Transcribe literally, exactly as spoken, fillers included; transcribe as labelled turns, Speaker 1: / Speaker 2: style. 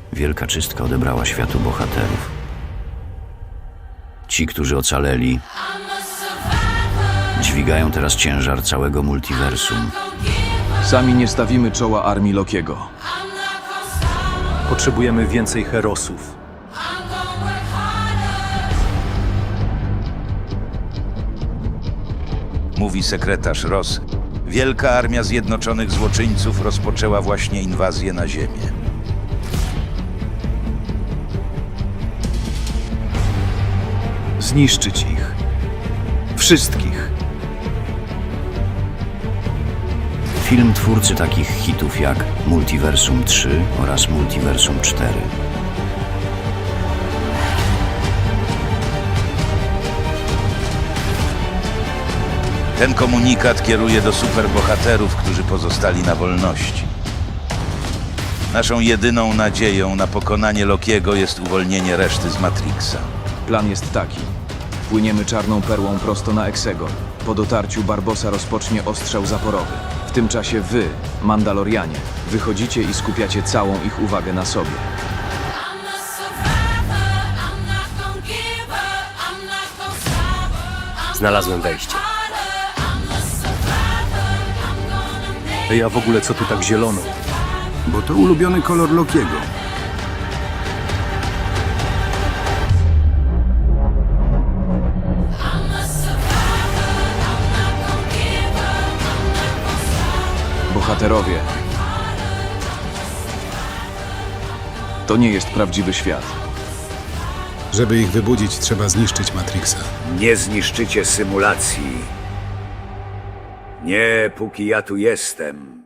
Speaker 1: Wielka czystka odebrała światu bohaterów. Ci, którzy ocaleli, dźwigają teraz ciężar całego multiversum.
Speaker 2: Sami nie stawimy czoła armii Lokiego.
Speaker 3: Potrzebujemy więcej herosów.
Speaker 4: Mówi sekretarz Ross. Wielka armia zjednoczonych złoczyńców rozpoczęła właśnie inwazję na Ziemię.
Speaker 3: Zniszczyć ich. Wszystkich.
Speaker 1: Film twórcy takich hitów jak Multiversum trzy oraz Multiversum cztery.
Speaker 4: Ten komunikat kieruje do superbohaterów, którzy pozostali na wolności. Naszą jedyną nadzieją na pokonanie Lokiego jest uwolnienie reszty z Matrixa.
Speaker 2: Plan jest taki. Płyniemy czarną perłą prosto na Exegol. Po dotarciu Barbossa rozpocznie ostrzał zaporowy. W tym czasie wy, Mandalorianie, wychodzicie i skupiacie całą ich uwagę na sobie.
Speaker 5: Znalazłem wejście.
Speaker 3: Ej, a w ogóle co tu tak zielono?
Speaker 6: Bo to ulubiony kolor Lokiego.
Speaker 2: Bohaterowie. To nie jest prawdziwy świat.
Speaker 6: Żeby ich wybudzić, trzeba zniszczyć Matrixa.
Speaker 7: Nie zniszczycie symulacji. Nie, póki ja tu jestem.